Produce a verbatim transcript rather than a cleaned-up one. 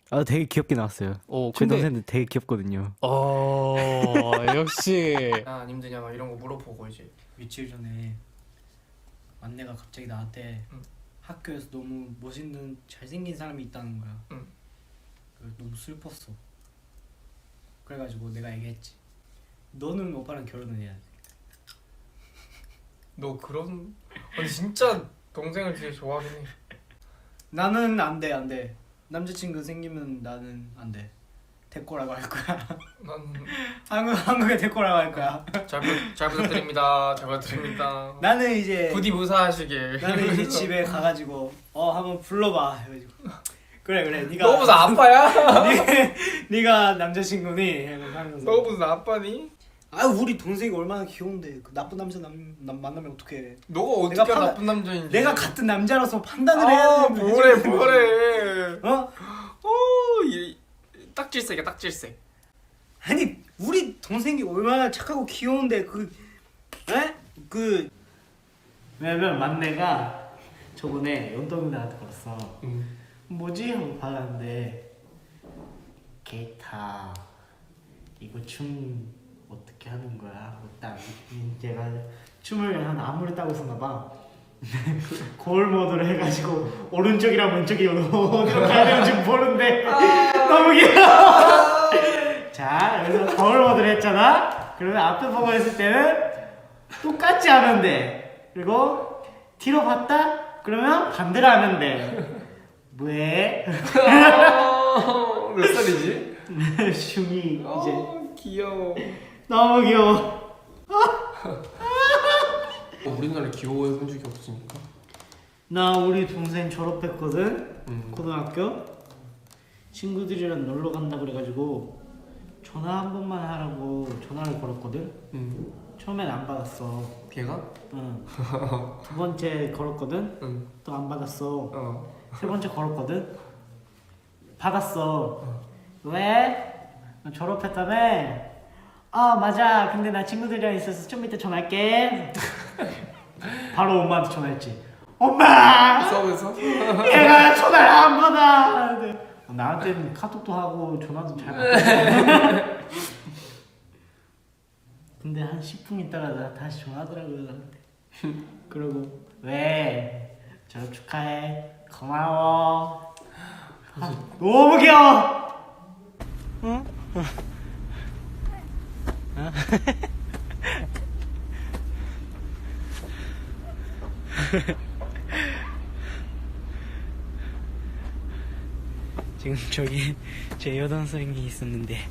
아 되게 귀엽게 나왔어요. 어, 저희 근데 동생들 되게 귀엽거든요. 어, 역시 아, 안 힘드냐 막 이런 거 물어보고 이제 며칠 전에 만내가 갑자기 나한테 응. 학교에서 너무 멋있는 잘생긴 사람이 있다는 거야. 응. 그래서 너무 슬펐어. 그래가지고 내가 얘기했지. 너는 오빠랑 결혼을 해야 돼. 너 그런 아니 진짜 동생을 되게 좋아하긴 해. 나는 안 돼, 안 돼. 남자친구 생기면 나는 안 돼. 데꼬라고 할 거야. 난 한국 한국에 데꼬라고 할 거야. 잘, 부, 잘 부탁드립니다. 잘 부탁드립니다. 나는 이제 부디 무사하시길. 나는 이제 집에 가가지고 어 한번 불러봐 해가지고 그래 그래 네가 너 무슨 아빠야? 네, 네가 남자친구니 하면서 너 무슨 아빠니? 아 우리 동생이 얼마나 귀여운데 그 나쁜 남자 남, 남 만나면 어떡해. 너가 어떻게 내가 판- 나쁜 남자인지. 내가 같은 남자라서 판단을 해야 아 되는데 뭐래 지금. 뭐래. 어? 어, 이 딱질색이야 딱질색. 아니 우리 동생이 얼마나 착하고 귀여운데 그 에? 그 왜냐면 만내가 저번에 연동이 나한테 걸었어. 응. 뭐지? 하고 받았는데 게이타 이거 춤 어떻게 하는 거야? 하고 딱 얘가 춤을 한 안무를 따고 있었나 봐. 거울 모드로 해가지고 오른쪽이랑 왼쪽이 어디로 가야 되는지 모르는데 너무 귀여워. 자 그래서 거울 모드로 했잖아. 그러면 앞에 보고 했을 때는 똑같이 하면 돼. 그리고 뒤로 봤다? 그러면 반대로 하면 돼. 왜? 몇 살이지? 슝이 이제 어, 귀여워. 너무 귀여워. 우리나라에 귀여워해 본 적이 없으니까. 나 우리 동생 졸업했거든. 음. 고등학교 친구들이랑 놀러 간다 그래가지고 전화 한 번만 하라고 전화를 걸었거든. 응. 처음엔 안 받았어. 걔가? 응. 두 번째 걸었거든. 응. 또 안 받았어. 어. 세 번째 걸었거든. 받았어. 왜? 너 졸업했다며? 아 맞아. 근데 나 친구들이랑 있어서 좀 이따 전화할게. 바로 엄마한테 전화했지. 엄마! 싸우면서? 얘가 전화를 안 받아. 근데 나한테는 카톡도 하고 전화도 잘 받아. 근데 한 십 분 있다가 나 다시 전화하더라고요 나한테. 그러고 왜? 졸업 축하해. 고마워. 아, 너무 귀여워. 응? 지금 저기 제 여동생이 있었는데